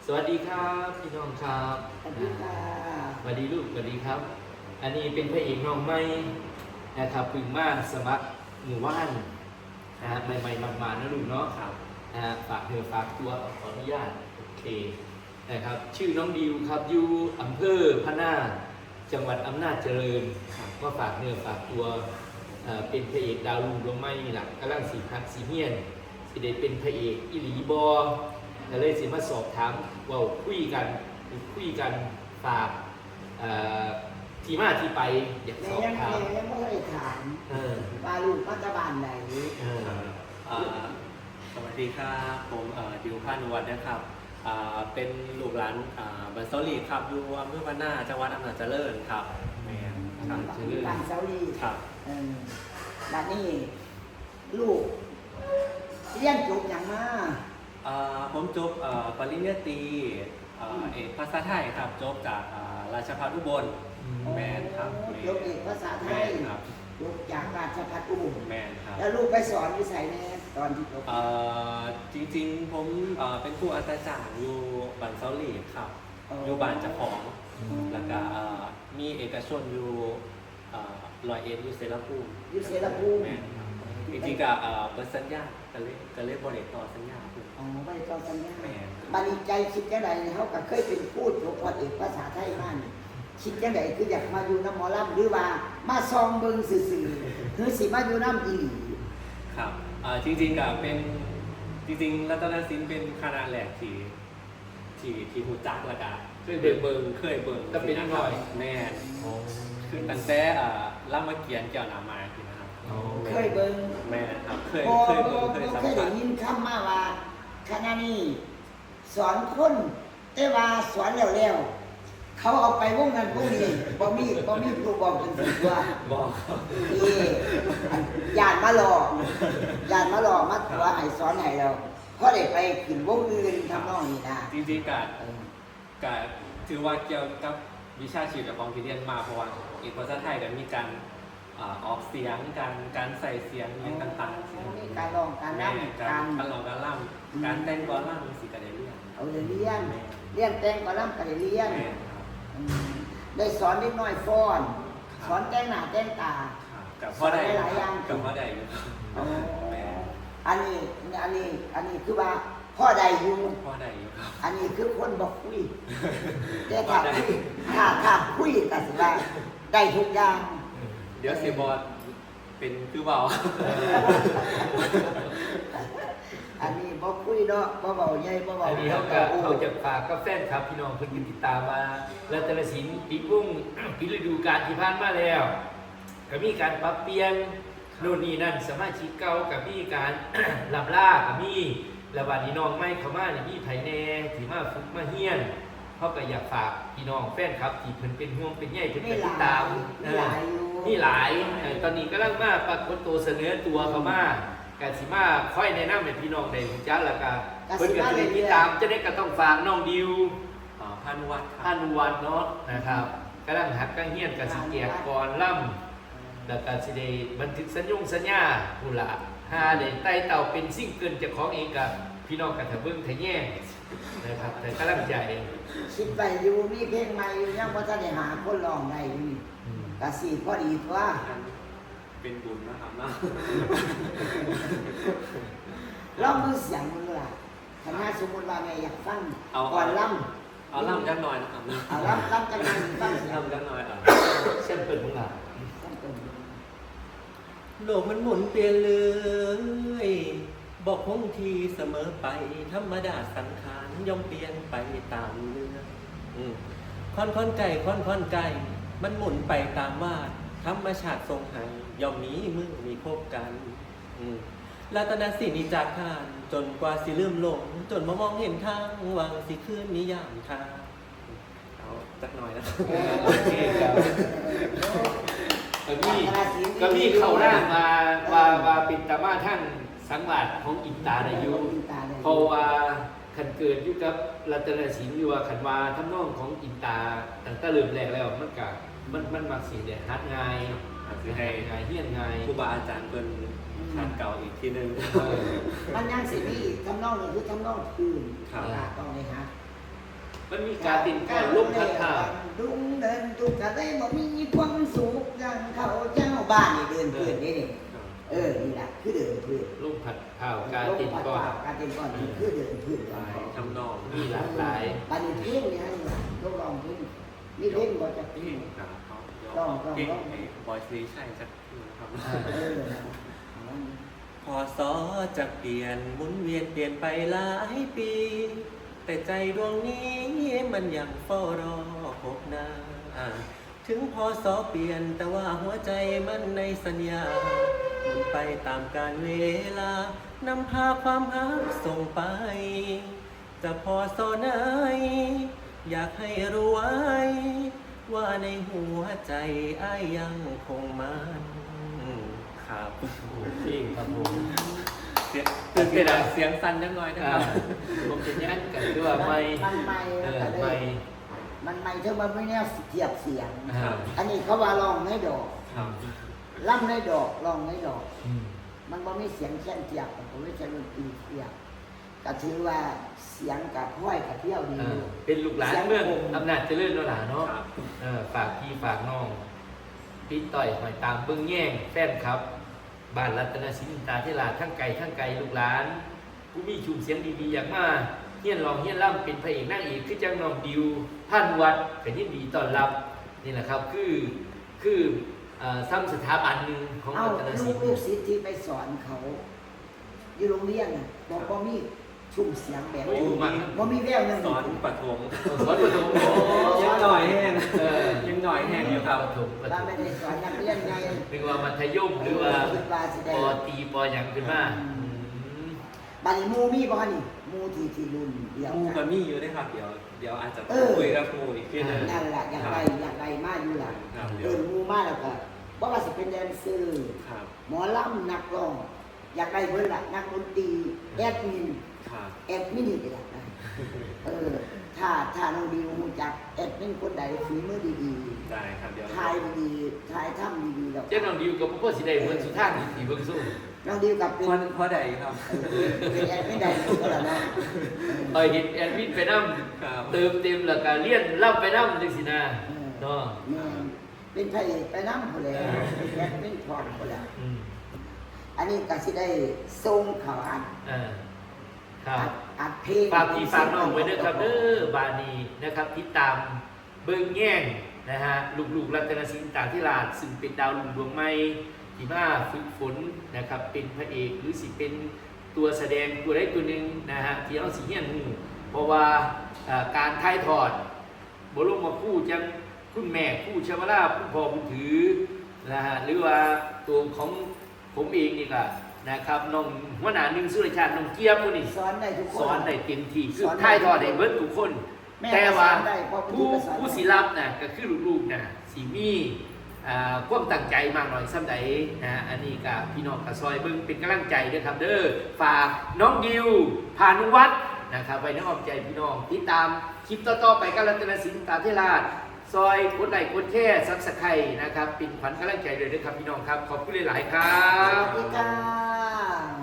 สวัสดีครับพี่น้องครับสวัสดีค่ะสวัสดีลูกสวัสดีครับ อันนี้เป็นพระเอกน้องใหม่นะครับพึ่งมาสมัครหมู่บ้านใหม่ๆมาๆนะลูกเนาะครับฝากเนื้อฝากตัวขออนุญาตโอเคนะครับชื่อน้องดิวครับอยู่อำเภอพะนาจังหวัดอำนาจเจริญก็ฝากเนื้อฝากตัวเป็นพระเอกดาวรุ่งดวงไม้หลักกำลังสีพักสีเฮียนสิได้เป็นพระเอกอิหลีบอก็เลยสิมาสอบถามว่าคุยกันฝากที่มาที่ไปอยากสอบถามยังไม่ได้ถามว่าลูกปัจจุบันไหนสวัสดีครับผมดิวพานุวัฒน์นะครับเป็นลูกหลานบันเซาลีครับอยู่อำเภอพะนาจังหวัดอำนาจเจริญครับแม่ครับบ้านเซาลีครับบ้านนี้ลูกเรียนจบอย่างมาผมจบปริญญาตรีเอกภาษาไทยครับจบจากราชภัฏอุบลแม่ครับจบเอกภาษาไทยจบจากราชภัฏอุบลแม่ครับแล้วลูกไปสอนวิสัยแน่ตอนที่จบจริงๆผมเป็นครูอัตราจารย์อยู่บันเซาลีครับอยู่บ้านเจ้าของแล้วก็มีเอกชนอยู่101อยู่เซราภูมิแม่จริงๆก็เปิดสัญญาก็เลยบริต่อสัญญาบริต่อสัญญาบริใจคิดจังไดเขาก็เคยเป็นพูดจบเอกภาษาไทยมาคิดจังไดคืออยากมาอยู่น้ำหมอลำหรือว่ามาซองเบิ่งซื่อๆหรือสิมาอยู่น้ำอีหลีครับจริงๆก็เป็นจริงๆรัตนศิลป์เป็นคณะแรกที่หูจักแล้วก็เคยเบิ่งก็เป็นหน่อยแม่คือตั้งแต่รามเกียรติ์แก้วนามานะครับเคยเบิ่งแม่ครับเคยเบิ่งเคยสัมผัสได้ยินคำมาว่าคณะนี้สอนคนแต่ว่าสอนแล้วเขาเอาไปวงนั้นวงนี้บ่มีครูบอกเป็นสิว่าบอกญาติมาหลอกมาตัวให้สอนให้เราพอได้ไปขึ้นวงอื่นทำนองนี้นะจริงๆก็ถือว่าเกี่ยวกับวิชาชีวิตของที่เรียนมาเพราะว่าอีกภาษาไทยก็มีการออกเสียงการใส่เสียงอย่างต่างๆมีการร้องการรำการร้องการรำการแต่งกลอนรำมีสิ่งการเรียนเรียนแต่งกลอนรำการเรียนได้สอนเด็กน้อยฟ้อนสอนแต่งหน้าแต่งตาสอนหลายอย่างกับพ่อใดอยู่อันนี้คือว่าพ่อใดอยู่อันนี้คือคนบอกคุยแต่ถ้าคุยก็สิว่าได้ทุกอย่างเดี๋ยวเสียบอลเป็นคือเบาอันนี้บ่คุยเนาะบ่เบาใหญ่บ่เบาอันนี้เขาจะฝากกับแฟนครับพี่น้องเพิ่นติดตามมารัตนศิลป์ปีวงปีฤดูกาลที่ผ่านมาแล้วก็มีการปรับเปลี่ยนโน่นนี่นั่นสมาชิกเก่าก็มีการลำลาก็มีระบาดนี้น้องไม่เข้ามามีไผแน่ที่มาฝึกมาเฮียนเขาก็อยากฝากพี่น้องแฟนครับที่เพิ่นเป็นห่วงเป็นใยเพิ่นติดตามมีหลายตอนนี้กำลังมาปรากฏตัวเสนอตัวเข้ามากาสิมาค่อยแนะนำให้พี่น้องได้รู้จักแล้วก็เพิ่นก็สิได้ติดตามจะได้ก็ต้องฝากน้องดิวพานุวัฒน์เนาะนะครับกำลังหัดกำลังเฮียนก็สิแจกก่อนล่ำแล้วก็สิได้บันทึกสัญญาผู้ละหาได้ไต่เต่าเป็นซิ่งเกินเจ้าของเองกับพี่น้องกันถ้าเบิ่งถ้าแย่งนะครับแต่กำลังใจคิดไปอยู่มีเพลงใหม่อยู่ยังบ่ทันได้หาคนร้องได้อยู่ก็สิพอดีว่าเป็นบุญนะครับเนาะร้องมือเสียงมือล่ะถ้าสมมุติว่าแม่อยากฟังก่อนล่ำเอาล่ำจักหน่อยนะครับเอาล่ำจักหน่อยฟังเสียงล่ำจักหน่อยเส้นเปิดมึงล่ะโลกมันหมุนเปลี่ยนเลยบอกคงทีเสมอไปธรรมดาสังขารย่อมเปลี่ยนไปตามเรื่องค่อนไก่มันหมุนไปตามวาดธรรมชาติทรงให้ย่อมมีมือมีพบกันรัตนศิลป์จากทานจนกว่าสิลืมหลงจนมามองเห็นทางวางสิคืนนิยามทางเอาจักหน่อยนะโอเคครับก็มีเข้าร่างมาปิดตามาท่านสังวาสของอินตาได้อยู่เพราะว่าขันเกิดอยู่กับรัตนศิลป์อยู่ว่าขันว่าทำนองของอินตาตั้งแต่เริ่มแรกแล้วมันมักสิเนี่ยฮัดง่ายให้เฮียนง่ายครูบาอาจารย์เป็นทางเก่าอีกทีนึงมันยังสิมีทำนองหนึ่งคือทำนองคืนต้องเลยฮะมันมีการติดก่อนลมพัดผ่าดุงเดินทุกข์อะไรบ่มีความสุขอย่างเขาเจ้าบ้านนี่เดินเพื่อนนี่นี่นี่แหละคือเดินเพื่อนลมพัดผ่าการติดก่อนการติดก่อนนี่คือเดินเพื่อนลายทำนองมีหลากหลายบ้านนี้เพลงนี่ฮะต้องลองเพลงมีเพลงบ่จะเพลพี่งครับเขาลองเก่งให้บอยซีใช่สักทีครับ พอสอจะเปลี่ยนหมุนเวียนเปลี่ยนไปหลายปี แต่ใจดวงนี้มันยังเฝ้ารอพบหน้าถึงพอสอเปลี่ยนแต่ว่าหัวใจมันในสัญญาหมุนไปตามกาลเวลานำพาความหักส่งไป จะพอสอไหนอยากให้รู้ไว้ ว่าในหัวใจอ้ายยังคงมันครับจริงครับผมเสียงตื่นเต้นเสียงสั่นจังหน่อยนะครับผมจะยันกันด้วยไม่มันไม่ไม่มันไม่ถึงมันไม่แน่เทียบเสียงครับอันนี้เขาว่าลองให้ดอกครับล่ำให้ดอกลองให้ดอกอืมมันบ่มีเสียงแค่นเทียบผมไม่ใช่ดนตรีเทียบก็ถือว่าเสียงกับห้อยกับเที่ยวดีเป็นลูกหลานเมืองอำนาจเจริญแล้วล่ะเนาะครับฝากพี่ฝากน้องพี่ต่อยหอยตามเบิ้งแย่งแฟนครับบ้านรัตนศิลป์ตาเทลาทั้งไกลลูกหลาน ผู้มีชูเสียงดีๆอย่างมาเฮียนรองเฮียนล่ำเป็นพระเอกนางเอกคือจังน้องดิวท่านวัดก็ยินดีต้อนรับนี่แหละครับคือซ้ำสถาบันหนึ่งของเอารัตนศิลป์ลูกศิษย์ที่ไปสอนเขา อยู่โรงเรียนน่ะบอกบ่มีชุ่มเสียงแบบโอ้นี้มาบ่มีแววนั่นสอนปฐมสอนประถมโอ้ยังหน่อยแห้งยัยังหน่อยแห้งอยู่ครับประถมว่าไม่ได้สอนนักเรียนไงหรือว่ามัธยมหรือว่าคิดว่าสิปได้อตรีปอหยังขึ้นมาอืมบัดนี้หมู่มีบ่คะนี่หมู่ที่รุ่นเดียวมูกักับนมี่อยู่ด้วยครับเดี๋ยวอาจจะคุยกับมูอีกทีหนึงนั่นแหละอยากได้มาอยู่ล่ะครับเดี๋เอิยวนหมู่มาแล้วก็บ่ว่าสิเป็นแดนเซอร์ครับหมอลำนักร้อง อยากได้เพิ่นล่ะนักดนตรีแอดมินครับแอดมินนี่ก็อยากได้ถ้าน้องดิวรู้จักแอดมินคนใดฝีมือดีได้ครับเดี๋ยวๆถ่ายดีๆถ่ายทำดีๆแล้วเจ้าน้องดิวกับพ่อสิได้เหมือนสุท่านที่เบิ่งสู้น้องดิวกับเป็นพอใดครับเป็นแอดมินใดก็แล้วเนาะต่อยเห็นแอดมินไปนำครับเติมเต็มแล้วก็เลี้ยนล่ำไปนำจังซี่นะเนาะแม่นเป็นพระเอกไปนำพุ่นแหล้วเป็นแอดมินพร้อมพุ่นแหล้วอืมอันนี้ก็สิได้ส่งเขาอัดครับอัดเพลงฝากพี่ฝากน้องไว้ด้วยครับเด้อบานีนะครับติดตามเบิ่งแย่งนะฮะลูกๆรัตนศิลป์ตาธิราชซึ่งเป็นดาวรุ่งดวงใหม่ที่มาฝึกฝนนะครับเป็นพระเอกหรือสิเป็นตัวแสดงตัวใดตัวหนึ่งนะฮะที่เราสิเฮียนหูเพราะว่าการถ่ายทอดบรมครูจังคุณแม่ครูชวราผู้พ่อผู้ถือนะฮะหรือว่าตัวของผมเองนี่ก็นะครับน้องหัวหน้าหนึ่งสุรชาติน้องเกียมมื้อนี้สอนได้ทุกคนสอนได้เต็มที่คือสอนได้ถ่ายทอดได้เบิดทุกคนแม่แต่ว่าก็สอนได้เพราะผู้ผู้ก็สอนได้ผู้สิรับน่ะก็คือลูกๆน่ะสิมีความตั้งใจมากหน่อยซ้ำใดนะอันนี้ก็พี่น้องก็ซอยเบิ่งเป็นกำลังใจด้วยครับเด้อฝากน้องดิวพานุวัฒน์นะครับไปในอ้อมใจพี่น้องติดตามคลิปต่อๆไปกับรัตนศิลป์ตาเทราชซอยกดไลค์กดแชร์ซับสไครต์นะครับเป็นขวัญกำลังใจเลยนะครับพี่น้องครับขอบคุณหลายๆครัสบวัสดีค่ะ